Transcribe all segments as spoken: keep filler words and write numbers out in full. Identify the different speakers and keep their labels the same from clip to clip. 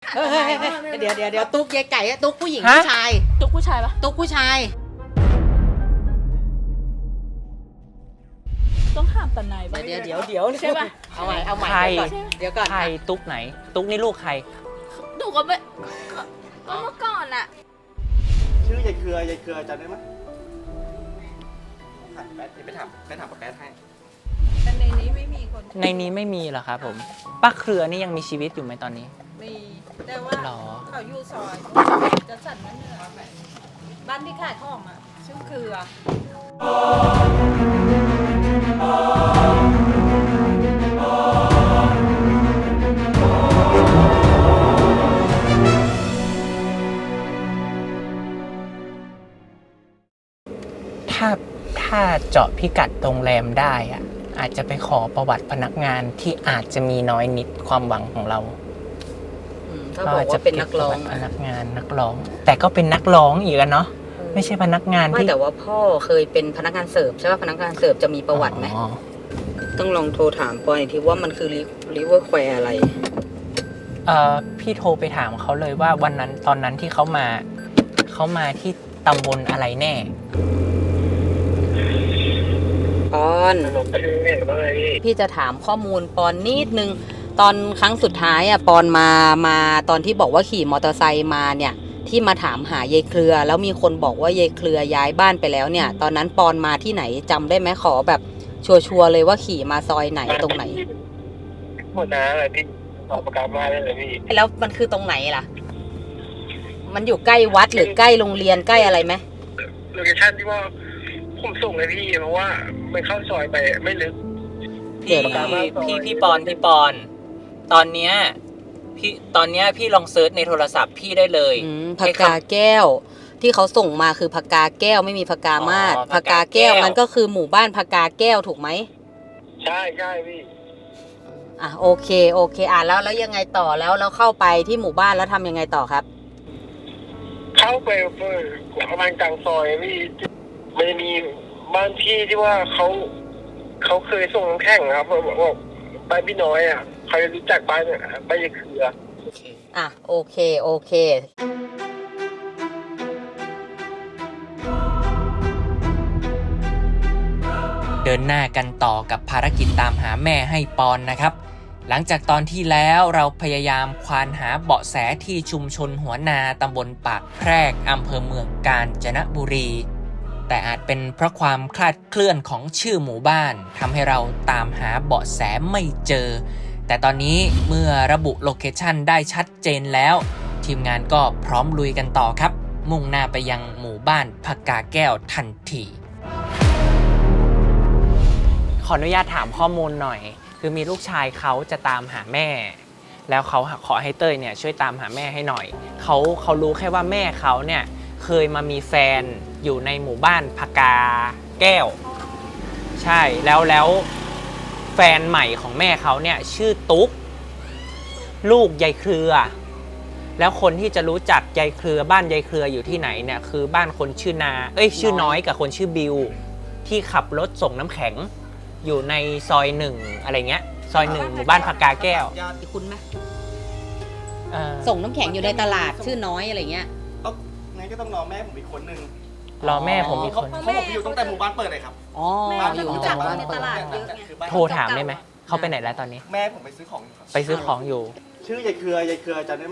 Speaker 1: เฮ้ยเดี๋ยวเดี๋ยวเดี๋ยวตุ๊กยายไก่อะตุ๊กผู้หญิง
Speaker 2: ฮะ
Speaker 1: ผู้ชาย
Speaker 3: ตุ๊กผู้ชายปะ
Speaker 1: ตุ๊กผู้ชาย
Speaker 3: ต้องห้ามตาไหนปะ
Speaker 1: เดี๋ยวเดี๋ยวเดี๋ยว
Speaker 3: ใช่ปะ
Speaker 1: เอาใหม่เอาใหม่
Speaker 2: ใคร
Speaker 1: เดี๋ยวก่อนเดี๋ยวก่อน
Speaker 2: ใครตุ๊กไหน ตุ๊กนี่ลูกใคร
Speaker 3: หนูก็ไม่ก็เมื่อก่อนอะ
Speaker 4: ชื่อยายเครือยายเครือจำได้ไหมถามแป๊ดไปถามไปถามป้าแป๊ดให้
Speaker 5: แต่ในนี้ไม่มีคน
Speaker 2: ในนี้ไม่มีเหรอครับผมป้าเครือนี่ยังมีชีวิตอยู่ไหมตอนนี้
Speaker 5: มี แต่ว่า
Speaker 2: หรอ
Speaker 5: เขาอยู่ซอยจะสั่นนั่นเหนือบ้านที่ขายของอ่ะ ชื่อเครือ
Speaker 2: ถ้าถ้าเจาะพิกัดโรงแรมได้อะอาจจะไปขอประวัติพนักงานที่อาจจะมีน้อยนิดความหวังของเรา
Speaker 1: อืมเขาบอกว่าเป็นนักร้อง
Speaker 2: พนักงานนักร้อง แต่ก็เป็นนักร้องอีกอะเนาะไม่ใช่พนักงาน
Speaker 1: ไม่
Speaker 2: ที่
Speaker 1: แต่ว่าพ่อเคยเป็นพนักงานเสิร์ฟใช่ป่ะพนักงานเสิร์ฟจะมีประวัติไหม
Speaker 2: อ๋อ
Speaker 1: ต้องลองโทรถามปอยทีว่ามันคือริเวอร์แควร์อะไร
Speaker 2: เอ่อพี่โทรไปถามเขาเลยว่าวันนั้นตอนนั้นที่เขามาเขามาที่ตำบลอะไรแน่
Speaker 1: ปอนพี่จะถามข้อมูลปอนนิดนึง ตอนครั้งสุดท้ายอ่ะปอนมามาตอนที่บอกว่าขี่มอเตอร์ไซค์มาเนี่ย ที่มาถามหายายเครือ แล้วมีคนบอกว่ายายเครือย้ายบ้านไปแล้วเนี่ย ตอนนั้นปอนมาที่ไหนจำได้ไหมขอแบบชัวร์ๆเลยว่าขี่มาซอยไหนตรงไหน
Speaker 4: หมดนะอะไรพี่ออกประกาศมาได้เลยพี่
Speaker 1: แล้วมันคือตรงไหนล่ะ มันอยู่ใกล้วัดหรือใกล้โรงเรียนใกล้อะไรไหม
Speaker 4: โลเคชั่นที่ว่าผมส่งเลยพี่เพราะว่ามันเข้าซอยไปไม่ลึก
Speaker 2: พี่พี่พี่ปอนพี่ปอน ตอนเนี้ยพี่ตอนเนี้ยพี่ลองเซิร์ชในโทรศัพท์พี่ได้เลย
Speaker 1: อืมผักกาแก้ว ที่เขาส่งมาคือผักกาแก้วไม่มีผักกามาศ
Speaker 2: อ๋อ
Speaker 1: ผักกาแก้ว
Speaker 2: ผักกาแก้ว
Speaker 1: มันก็คือหมู่บ้านผักกาแก้วถูกไหม
Speaker 4: ใช่ใช่พี่
Speaker 1: อ่ะโอเคโอเคอ่ะแล้วแล้วยังไงต่อแล้วแล้วเข้าไปที่หมู่บ้านแล้วทำยังไงต่อครับ
Speaker 4: เข้าไปประมาณกลางซอยพี่มันจะมีบ้านพี่ที่ว่าเขาเขาเคยส่งน้ำแข็งครับบอกว่าบ้านพี่น้อยอ่ะใครรู้จักบ้านเนี่ยบ้านยายเครือ
Speaker 1: อ่ะโอเคโอเค
Speaker 2: เดินหน้ากันต่อกับภารกิจตามหาแม่ให้ปอนนะครับ หลังจากตอนที่แล้วเราพยายามควานหาเบาะแสที่ชุมชนหัวนาตำบลปากแพรกอำเภอเมืองกาญจนบุรี แต่อาจเป็นเพราะความคลาดเคลื่อนของชื่อหมู่บ้านทำให้เราตามหาเบาะแสไม่เจอ แต่ตอนนี้เมื่อระบุโลเคชั่นได้ชัดเจนแล้ว ทีมงานก็พร้อมลุยกันต่อครับ มุ่งหน้าไปยังหมู่บ้านผักกาแก้วทันทีขออนุญาตถามข้อมูลหน่อย คือมีลูกชายเขาจะตามหาแม่ แล้วเขาขอให้เต้ยเนี่ยช่วยตามหาแม่ให้หน่อยเขาเขารู้แค่ว่าแม่เขาเนี่ยเคยมามีแฟนอยู่ในหมู่บ้านผักกาแก้ว ใช่แล้วแล้วแฟนใหม่ของแม่เขาเนี่ยชื่อตุ๊กลูกยายเครือ แล้วคนที่จะรู้จักยายเครือบ้านยายเครืออยู่ที่ไหนเนี่ยคือบ้านคนชื่อนาเอ้ยชื่อน้อยกับคนชื่อบิวที่ขับรถส่งน้ำแข็งอยู่ในซอยหนึ่งอะไรเงี้ยซอยหนึ่งหมู่บ้านผักกาแก้ว
Speaker 1: คุณไหม
Speaker 2: เอ่อ
Speaker 1: ส่งน้ำแข็งอยู่ในตลาดชื่อน้อยอะไรเงี้ย
Speaker 4: ต้องงั้นก็ต้องรอแม่ผมอีกคนนึง
Speaker 2: รอแม่ผมอีกคน
Speaker 4: เขาบอกอยู่ตั้งแต่หมู่บ้านเปิดเลยครับ
Speaker 1: อ๋อ
Speaker 5: แม่
Speaker 1: อยู่
Speaker 5: รู้
Speaker 1: ตั้ง
Speaker 5: จั
Speaker 1: แต่
Speaker 5: ก
Speaker 1: บ้าน
Speaker 5: ใน
Speaker 1: เปิ
Speaker 5: ต
Speaker 1: ด
Speaker 5: ลาดเยอะไง
Speaker 4: คือบ้าน
Speaker 2: โทรถามได้ไหมเขาไปไหนแล้วตอนนี้
Speaker 4: แม่ผมไปซื้อของ
Speaker 2: ไปซื้อของอยู่
Speaker 4: ชื่อยายเครือยายเครือจำได้ไหม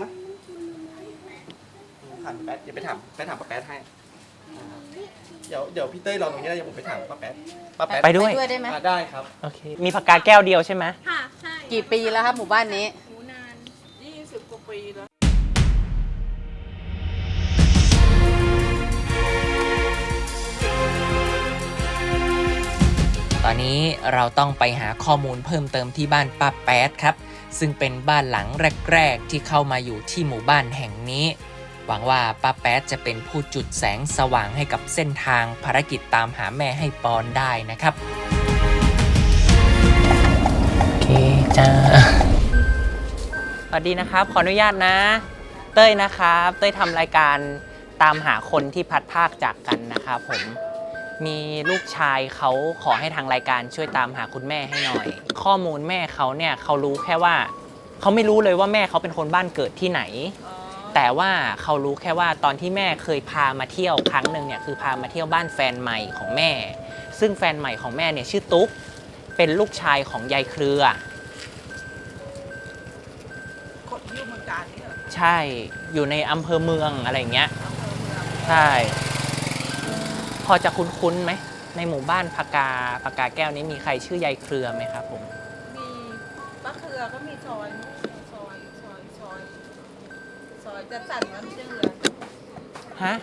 Speaker 4: ถามแป๊ดเดี๋ยวไปถามไปถามป้าแป๊ดให้เดี๋ยวเดี๋ยวพี่เต้ยรอตรงนี้เดี๋ยวผมไปถามป้าแป๊ดป้าแป๊ด
Speaker 2: ไปด้วย
Speaker 1: ได้ไหม
Speaker 4: อ่ะได้ครับ
Speaker 2: โอเคมีผักกาแก้วเดียวใช่ไหม
Speaker 5: ค่ะใช่
Speaker 1: กี่ปีแล้วครับหมู่บ้านนี้
Speaker 5: หูนานยี่สิบกว่าปีแล้ว
Speaker 2: ตอนนี้เราต้องไปหาข้อมูลเพิ่มเติมที่บ้านป้าแป๊ดครับซึ่งเป็นบ้านหลังแรกๆที่เข้ามาอยู่ที่หมู่บ้านแห่งนี้หวังว่าป้าแป๊ดจะเป็นผู้จุดแสงสว่างให้กับเส้นทางภารกิจตามหาแม่ให้ปอนได้นะครับโอเคจ้าสวัสดีนะครับขออนุญาตนะเต้ยนะครับเต้ยทำรายการตามหาคนที่พัดภาคจากกันนะครับผมมีลูกชายเขาขอให้ทางรายการช่วยตามหาคุณแม่ให้หน่อย ข้อมูลแม่เขาเนี่ยเขารู้แค่ว่าเขาไม่รู้เลยว่าแม่เขาเป็นคนบ้านเกิดที่ไหน แต่ว่าเขารู้แค่ว่าตอนที่แม่เคยพามาเที่ยวครั้งหนึ่งเนี่ยคือพามาเที่ยวบ้านแฟนใหม่ของแม่ ซึ่งแฟนใหม่ของแม่เนี่ยชื่อตุ๊กเป็นลูกชายของยายเครือ
Speaker 5: คนอยู่เมืองการนี่เหรอ
Speaker 2: ใช่อยู่ในอำเภอเมืองอะไรอย่างเงี้ย
Speaker 5: อำเภอเมือง
Speaker 2: ใช่พอจะคุ้นๆไหมในหมู่บ้านพากาพากาแก้วนี้มีใครชื่อยายเครือไหมครับผม
Speaker 5: มีป้าเครือก็มีซอยซอยซอยซอยซอยจะสั่นน้ำเชื่อ
Speaker 2: ฮะ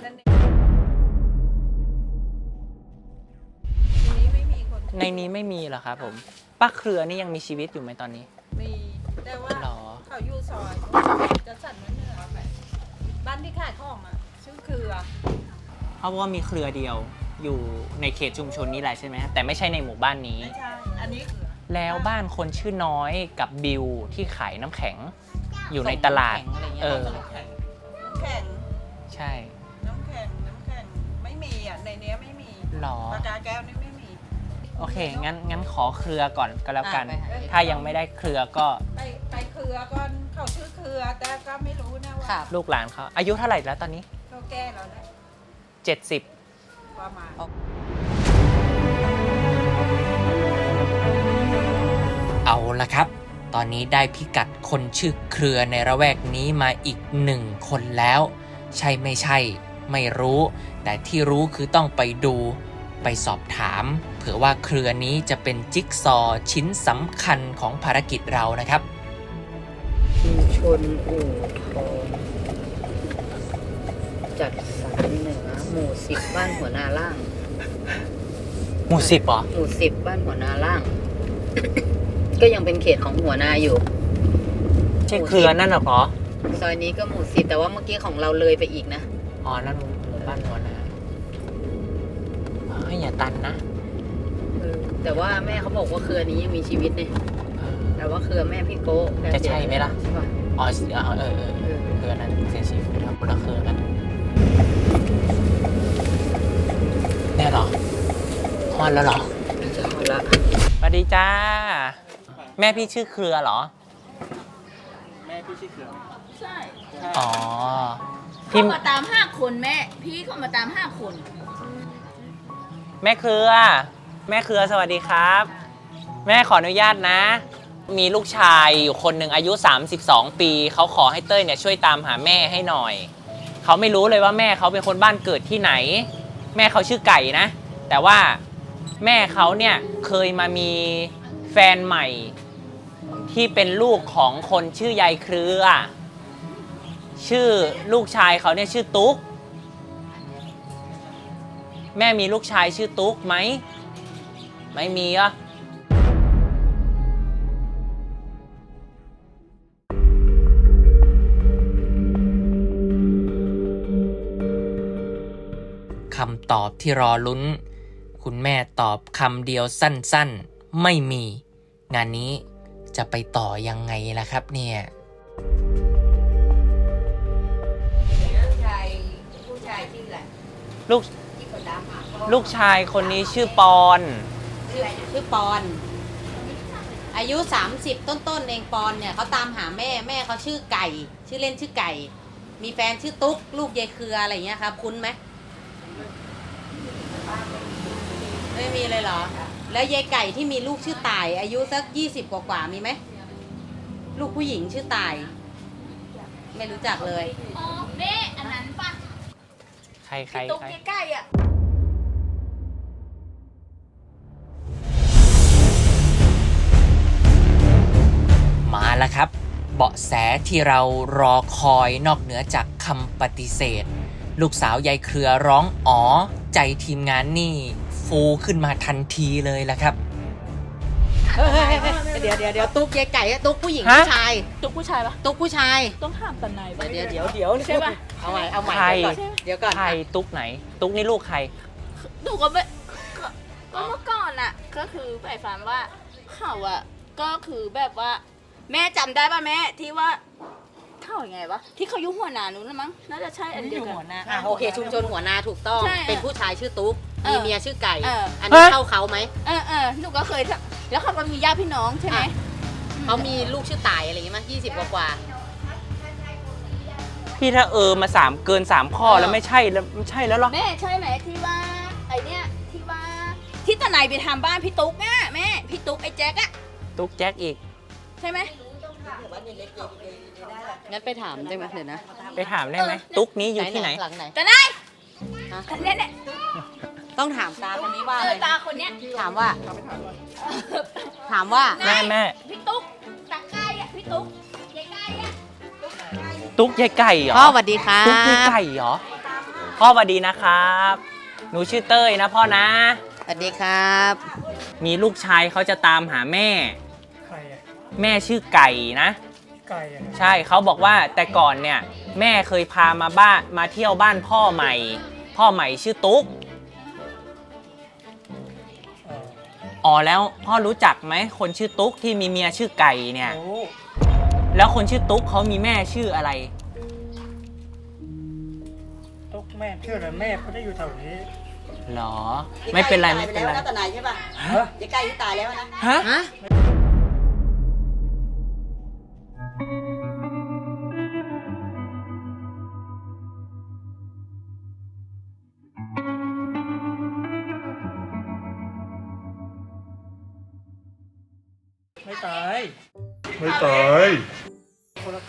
Speaker 5: ทีนี้ไม่มีคน
Speaker 2: ในนี้ไม่มีเหรอครับผมป้าเครือนี่ยังมีชีวิตอยู่ไหมตอนนี้
Speaker 5: มีแต่ว่า
Speaker 2: หรอ
Speaker 5: เขาอยู่ซอยจะสั่นน้ำเหนือบ้านที่ขายของอ่ะชื่อเครือ
Speaker 2: เพราะว่ามีเครือเดียวอยู่ในเขตชุมชนนี้แหละใช่ไหมแต่ไม่ใช่ในหมู่บ้านนี้
Speaker 5: ไม่ใช่อันนี้
Speaker 2: แล้วบ้านคนชื่อน้อยกับบิวที่ขายน้ำแข็ง อยู่ในตลาด
Speaker 1: ส่งน้ำแข็งอะไรเงี้ย
Speaker 2: เออ
Speaker 5: น้ำแข็งน้ำแข็ง
Speaker 2: ใช่
Speaker 5: น้ำแข็งน้ำแข็งไม่มีอ่ะในเนี้ยไม่มี
Speaker 2: หรอ
Speaker 5: ปากกาแก้วนี่ไม่มี
Speaker 2: โอเคงั้นงั้นขอเครือก่อนก็แล้วกัน
Speaker 1: อ่ะไปหา
Speaker 2: ถ้ายังไม่ได้เครือก็
Speaker 5: ไปไปเครือก่อนเขาชื่อเครือแต่ก็ไม่รู้นะว่า
Speaker 1: ค่ะ
Speaker 2: ลูกหลานเขาอายุเท่าไหร่แล้วตอนนี้
Speaker 5: เขาแก้แล้วนะ
Speaker 2: เจ็ดสิบ
Speaker 5: ประมาณ
Speaker 2: เอาละครับ ตอนนี้ได้พิกัดคนชื่อเครือในระแวกนี้มาอีกหนึ่งคนแล้ว ใช่ไม่ใช่ ไม่รู้ แต่ที่รู้คือต้องไปดูไปสอบถาม เผื่อว่าเครือนี้จะเป็นจิ๊กซอว์ชิ้นสำคัญของภารกิจเรานะครับ
Speaker 1: ชุมชนอู่ทองจัดสรรเหนือหมู่สิบบ้านหัวนาล่าง
Speaker 2: หมู่สิบเหรอ
Speaker 1: หมู่สิบบ้านหัวนาล่าง ก็ยังเป็นเขตของหัวนาอยู่
Speaker 2: ใช่เครือนั่นเหรอ
Speaker 1: ซอยนี้ก็หมู่สิบแต่ว่าเมื่อกี้ของเราเลยไปอีกนะ
Speaker 2: อ๋อ นั่นหมู่บ้านหัวนาเฮ้ยอย่าตันนะ
Speaker 1: เออแต่ว่าแม่เขาบอกว่าเครือนี้ยังมีชีวิตเนี่ยแต่ว่าเครือแม่พี่โก้แก
Speaker 2: จะใช่ไหมล่ะ
Speaker 1: ใช่ป่ะ
Speaker 2: อ๋อเออเออเออเครือนั้นเสียชีวิตแล้วคนละเครือกันแน่เหรอฮอนแล้วเหรอ
Speaker 1: จะเอาละ
Speaker 2: สวัสดีจ้า แม่พี่ชื่อเครือเหรอ
Speaker 3: ใช่
Speaker 2: อ๋อ
Speaker 3: เขา
Speaker 2: พี่
Speaker 3: มาตามห้าคนแม่ พี่เขามาตามห้าคน
Speaker 2: แม่เครือ แม่เครือสวัสดีครับ แม่ขออนุญาตนะ มีลูกชายอยู่คนหนึ่งอายุสามสิบสองปีเขาขอให้เต้ยเนี่ยช่วยตามหาแม่ให้หน่อยเขาไม่รู้เลยว่าแม่เขาเป็นคนบ้านเกิดที่ไหน แม่เขาชื่อไก่นะ แต่ว่าแม่เขาเนี่ยเคยมามีแฟนใหม่ที่เป็นลูกของคนชื่อยายเครือ ชื่อลูกชายเขาเนี่ยชื่อตุ๊กแม่มีลูกชายชื่อตุ๊กไหมไม่มีอ่ะคำตอบที่รอลุ้น คุณแม่ตอบคำเดียวสั้นๆไม่มี งานนี้จะไปต่อยังไงล่ะครับเนี่ย
Speaker 5: ผู้ชายผู้ชายชื่ออะไร
Speaker 2: ลูก
Speaker 5: ที่เขาตามหาพ่อ
Speaker 2: ลูกชายคนนี้ชื่อปอน
Speaker 1: ชื่อชื่อปอน อายุ สามสิบ ต้นๆเองปอนเนี่ยเขาตามหาแม่แม่เขาชื่อไก่ ชื่อเล่นชื่อไก่ มีแฟนชื่อตุ๊กลูกยายเครืออะไรอย่างเงี้ยครับคุ้นไหมไม่มีเลยเหรอ แล้วยายไก่ที่มีลูกชื่อต่าย อายุสักยี่สิบกว่าๆมีไหมลูกผู้หญิงชื่อต่าย ไม่รู้จักเลย
Speaker 3: อ๋อแม่อันนั้นป่ะ
Speaker 2: ใครใคร
Speaker 3: ตุ๊ก
Speaker 2: ใคร
Speaker 3: ใกล้ๆอ่ะ
Speaker 2: มาแล้วครับ เบาะแสที่เรารอคอยนอกเหนือจากคำปฏิเสธ ลูกสาวยายเครือร้องอ๋อใจทีมงานนี่ฟูขึ้นมาทันทีเลยละครับ
Speaker 1: เฮ้ยเดี๋ยวเดี๋ยวเดี๋ยวตุ๊กยายไก่อะตุ๊กผู้หญิง
Speaker 2: ฮะ
Speaker 1: ผู้ชาย
Speaker 3: ตุ๊กผู้ชายปะ
Speaker 1: ตุ๊กผู้ชาย
Speaker 3: ต้องถามตาไหนปะ
Speaker 1: เดี๋ยวเดี๋ยวเดี๋ยว
Speaker 3: ใช่ปะ
Speaker 1: เอาใหม่เอาใหม่
Speaker 2: ใคร
Speaker 1: เดี๋ยวก่อนเดี๋ยวก่อน
Speaker 2: ใครตุ๊กไหน ตุ๊กนี่ลูกใคร
Speaker 3: หนูก็ไม่ก็ก็เมื่อก่อนอ่ะ ก็คือไปฝันว่าเขาอ่ะ ก็คือแบบว่า แม่จำได้ป่ะแม่ที่ว่าเขาอย่างไงวะที่เขาอยุ่หัวหนานู้นนะมั้งน่าจะใช่อันเดียวกัน
Speaker 1: อ่ะโอเคชุมชนหัวนาถูกต้อง
Speaker 3: ใช่
Speaker 1: เป็นผู้ชายชื่อตุ๊ก
Speaker 3: เอ
Speaker 1: มี
Speaker 3: อ
Speaker 1: เมียชื่อไก่
Speaker 3: เอออั
Speaker 1: อันนี้
Speaker 2: ฮะ
Speaker 1: เข้าเขาไหม
Speaker 3: เออเออหนูก็เคยทำแล้วเขาก็มีญาติพี่น้องใช่ไหม
Speaker 1: อ่ะ
Speaker 3: อื
Speaker 1: เขามีลูกชื่อตายอะไรอย่างเงี้ยมั้ยยี่สิบกว่ากว่า
Speaker 2: พี่ถ้าเออมาสามเกินสามข้อแล้วไม่ใช่แล้วไม่ใช่แล้วหรอ
Speaker 3: แม่ใช่ไหมที่ว่าไอเนี้ยที่ว่าที่ตะไนไปทำบ้านพี่ตุ๊กอ่ะแม่พี่ตุ๊กไอ้แจ็คอะ
Speaker 2: ตุ๊กแจ็คอีก
Speaker 3: ใช่ไหม
Speaker 1: งั้นไปถามได้ไหมเดี๋ยวนะ
Speaker 2: ไปถามได้ไหมตุ๊กนี้อยู่ที่ไหน
Speaker 1: หลังไหน
Speaker 3: ตะไน
Speaker 1: ฮะ
Speaker 3: คนเนี้ยเนี่ย
Speaker 1: ต้องถามตาคนนี้ว่า
Speaker 3: เอ
Speaker 1: อะไร
Speaker 3: อตาคนเนี้ย
Speaker 1: ถามว่า ถามว่า
Speaker 2: แม่แม่
Speaker 3: พี่ตุ๊กตะไคร้อะพี่ตุ๊กยายไก่อะ
Speaker 2: ตุ๊กยายไก่เหรอ
Speaker 1: พ่อสวัสดีครับ
Speaker 2: ตุ๊กยายไก่เหรอพ่อสวัสดีนะครับหนูชื่อเต้ยนะพ่อนะ
Speaker 1: สวัสดีครับ
Speaker 2: มีลูกชายเขาจะตามหาแม่
Speaker 4: ใครอ่ะ
Speaker 2: แม่ชื่อไก่นะ
Speaker 4: ไก่อ่ะ
Speaker 2: ใช่เขาบอกว่าแต่ก่อนเนี่ยแม่เคยพามาบ้านมาเที่ยวบ้านพ่อใหม่ พ่อใหม่ชื่อตุ๊กอ๋อแล้วพ่อรู้จักไหมคนชื่อตุ๊กที่มีเมียชื่อไก่เนี่ย
Speaker 4: โอ้
Speaker 2: แล้วคนชื่อตุ๊กเขามีแม่ชื่ออะไร
Speaker 4: ตุ๊กแม่เชื่อเลยแม่เขาได้อยู่แถวนี้
Speaker 2: หรอ ไม่เป็นไรไม่เป็นไร
Speaker 5: ตายไปแล้วนะตาไหนใช่ป่ะ
Speaker 2: ฮะ
Speaker 5: ยายไก่ที่ตายแล้วนะ
Speaker 2: ฮะ
Speaker 1: ฮะ
Speaker 4: ไม่ตาย
Speaker 6: ไม่ตาย
Speaker 4: คนละไก่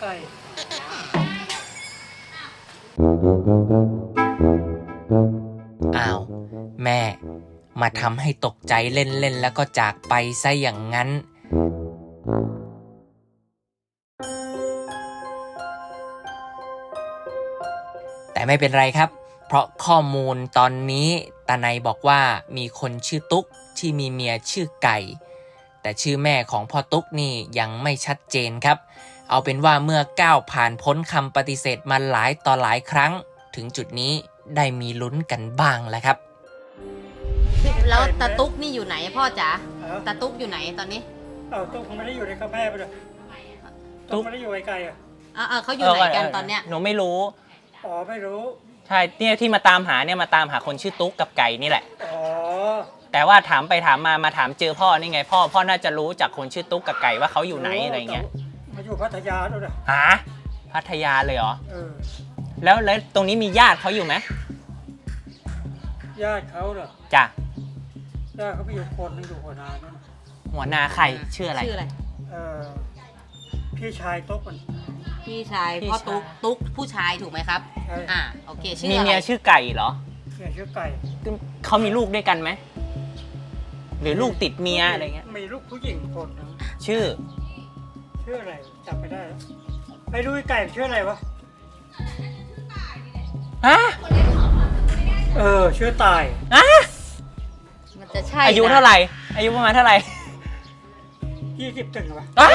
Speaker 2: อ้าว แม่มาทำให้ตกใจเล่นๆแล้วก็จากไปซะอย่างนั้น แต่ไม่เป็นไรครับ เพราะข้อมูลตอนนี้ตาไนบอกว่ามีคนชื่อตุ๊กที่มีเมียชื่อไก่ แต่ชื่อแม่ของพ่อตุ๊กนี่ยังไม่ชัดเจนครับ เอาเป็นว่าเมื่อก้าวผ่านพ้นคำปฏิเสธมาหลายต่อหลายครั้ง ถึงจุดนี้ได้มีลุ้นกันบ้างแล้วครับ
Speaker 1: แล้วตาตุ๊กนี่อยู่ไหนพ่อจ๋า
Speaker 4: เอ้า
Speaker 1: ตาตุ๊กอยู่ไหนตอนนี้
Speaker 4: เอาตุ๊กมันไม่ได้อยู่ในกับแม่ไปเลยตุ๊กไม่ได้อยู่ไอ้ไก่อ่ะ
Speaker 1: อ่าเขาอยู่ไหนกันตอนเนี้ย
Speaker 2: หนูไม่รู้
Speaker 4: อ๋อไม่รู้
Speaker 2: ใช่เนี่ยที่มาตามหาเนี่ยมาตามหาคนชื่อตุ๊กกับไก่นี่แหละ
Speaker 4: อ๋อ
Speaker 2: แต่ว่าถามไปถามมามาถามเจอพ่อนี่ไง พ่อพ่อน่าจะรู้จากคนชื่อตุ๊กกับไก่ว่าเขาอยู่ไหนอะไรเงี้ย
Speaker 4: มาอยู่พัทยาด้วยนะ
Speaker 2: หาพัทยาเลยเหรอ
Speaker 4: เออ
Speaker 2: แล้วแล้วตรงนี้มีญาติเขาอยู่ไหม
Speaker 4: ญาติเขาเหรอ
Speaker 2: จ้ะ
Speaker 4: ญาติเขาไปอยู่คนนึงอยู่หัวนาด้วยนะ
Speaker 2: หัวหน้าใครชื่ออะไร
Speaker 1: ชื่ออะไร
Speaker 4: เออพี่ชายตุ๊กมัน
Speaker 1: พี่ชาย
Speaker 2: พี่
Speaker 1: พ่อ
Speaker 2: ชาย
Speaker 1: ตุ๊กตุ๊กผู้ชายถูกไหมครับ
Speaker 4: ใช่
Speaker 1: อ่าโอเคชื่อ
Speaker 2: มี
Speaker 1: อะไร
Speaker 2: เมียชื่อไก่เหรอ
Speaker 4: เมียชื่อไก่
Speaker 2: เขามีลูกด้วยกันไหมหรือลูกติดเมียอะไรเงี้ย
Speaker 4: มีลูกผู้หญิงคนนึง
Speaker 2: ชื่อ
Speaker 4: ชื่ออะไรจำไม่ได้แล้วไปดูไอ้ไก่ชื่ออะไรวะ
Speaker 2: ฮะ
Speaker 4: เออชื่อตาย
Speaker 2: อะ
Speaker 1: มันจะใช่
Speaker 2: อายุ
Speaker 1: นะ
Speaker 2: เท่าไหร่ อายุประมาณเท่าไหร่
Speaker 4: ยี่สิบถึงวะ
Speaker 2: อะ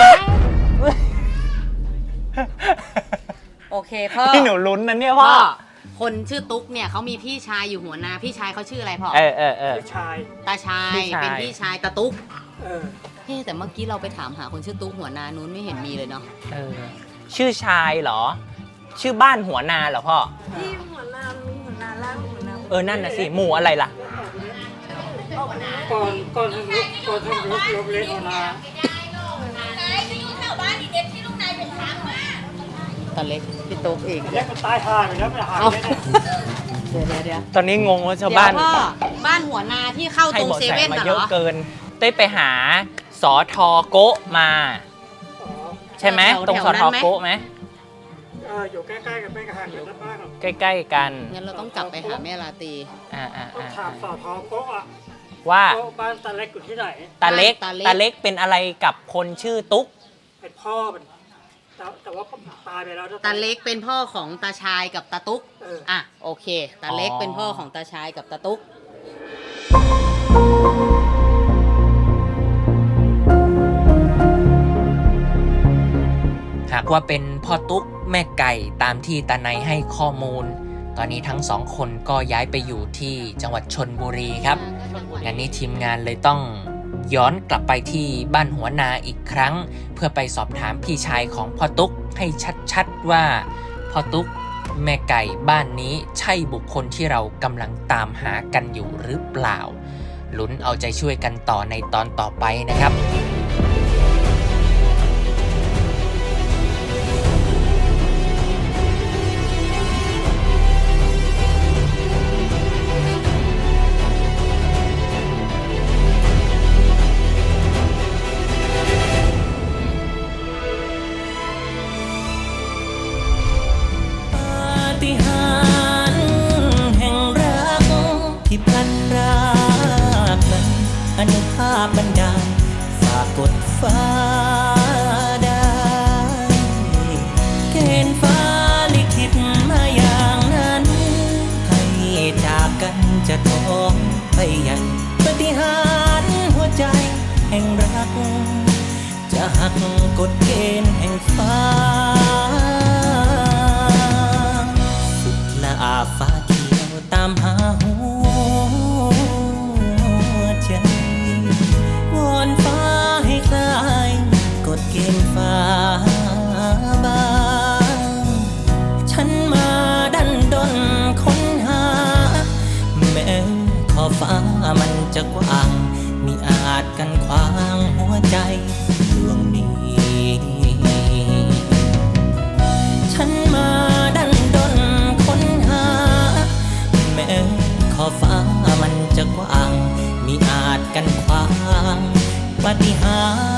Speaker 1: โอเคพ่อ
Speaker 2: ที่หนูลุ้นนะเนี่ยพ่
Speaker 1: พ่
Speaker 2: อ
Speaker 1: อคนชื่อตุ๊กเนี่ยเขามีพี่ชายอยู่หัวนาพี่ชายเขาชื่ออะไรพ่อ
Speaker 2: เออเออเออ
Speaker 4: พี่ชาย
Speaker 1: ตาชาย
Speaker 2: พี่ชาย
Speaker 1: เป็นพี่ชายตาตุ๊ก
Speaker 4: เออ
Speaker 1: เฮ้แต่เมื่อกี้เราไปถามหาคนชื่อตุ๊กหัวนานู้นไม่เห็นมีเลยเนาะ
Speaker 2: เออชื่อชายเหรอ ชื่อบ้านหัวนาเหรอพ่อ
Speaker 5: ที่หัวนามีหัวนาล่างหัวนา
Speaker 2: เออนั่นน่ะสิหมู่อะไรล่ะ
Speaker 4: ก่อนก่อนทำลุกก่อนทำลุกลบเล็กหัวนา
Speaker 3: นายไปอยู่แถวบ้านอีเด็กที่ลูกนายไปถามมา
Speaker 1: ตาเล็กพี่ตุ๊กเอง
Speaker 4: เล็กมันตายห่าไปแล้วมันหาย
Speaker 1: เอา
Speaker 4: ไปไหน
Speaker 1: เดี๋ยวเดี๋ยวเดี๋ยว
Speaker 2: ตอนนี้งงว่าชาว
Speaker 1: เดี๋ยว
Speaker 2: บ้าน
Speaker 1: พ่อบ้านหัวนาที่เข้า
Speaker 2: ให้
Speaker 1: ตรง
Speaker 2: เบาะ
Speaker 1: เซ
Speaker 2: แส
Speaker 1: เว่น
Speaker 2: มา
Speaker 1: น่ะ
Speaker 2: เย
Speaker 1: เหร
Speaker 2: อะ
Speaker 1: อ
Speaker 2: เกิน เต้ยไปหาสอทอโกะมา
Speaker 4: อ๋อ
Speaker 2: ใช่ไหม
Speaker 1: แถวๆ
Speaker 2: ตรงสอ
Speaker 1: นั้
Speaker 2: ทอน
Speaker 1: ไหม
Speaker 2: โกะไหม
Speaker 4: เอออยู่ใกล้ๆกันไม่กระหักกันนะบ้างหรอก
Speaker 2: ใกล้ๆกัน
Speaker 1: งั้นเราต้องกลับไปหาแม่ลาตรี
Speaker 2: อ่าอ่า
Speaker 4: ต้อง
Speaker 2: อ่า
Speaker 4: ถามสอทอโกะอ่ะ
Speaker 2: ว่า
Speaker 4: โกะบ้านตาเล็กอยู่ที่ไหน
Speaker 2: ตาเล็ก
Speaker 1: ตาเล็ก
Speaker 2: ตาเล็กเป็นอะไรกับคนชื่อตุ๊ก
Speaker 4: เป็นพ่อมันแต่แต่ว่าตายไปแล้วนะ
Speaker 1: ตาเล็กเป็นพ่อของตาชายกับตาตุ๊ก
Speaker 4: เออ
Speaker 1: อ่ะโอเค ตาเล็กเป็นพ่อของตาชายกับตาตุ๊ก
Speaker 2: หากว่าเป็นพ่อตุ๊กแม่ไก่ตามที่ตาไนให้ข้อมูล ตอนนี้ทั้งสองคนก็ย้ายไปอยู่ที่จังหวัดชลบุรีครับงานนี้ทีมงานเลยต้องย้อนกลับไปที่บ้านหัวนาอีกครั้ง เพื่อไปสอบถามพี่ชายของพ่อตุ๊กให้ชัดๆว่าพ่อตุ๊กแม่ไก่บ้านนี้ใช่บุคคลที่เรากำลังตามหากันอยู่หรือเปล่าลุ้นเอาใจช่วยกันต่อในตอนต่อไปนะครับ
Speaker 6: ฏิหาริย์แห่งรักที่พลันรากนั้นอนุภาพบันดาลฝากกดฟ้าได้เกณฑ์ฟ้าลิขิตมาอย่างนั้นให้จากกันจะท้องไปใหญ่ปฏิหาริย์หัวใจแห่งรักจะหักกฎเกณฑ์แห่งฟ้าสุดละอาฟ้าเขียวตามหาหัวใจวอนฟ้าให้คลายกฎเกณฑ์ฟ้าบางฉันมาดันดนค้นหาแม้ขอบฟ้ามันจะกว้างมิอาจกันขวางหัวใจดวงนี้ฉันมาดันดนค้นหาแม้ขอบฟ้ามันจะกว้างมิอาจกันขวางปาฏิหา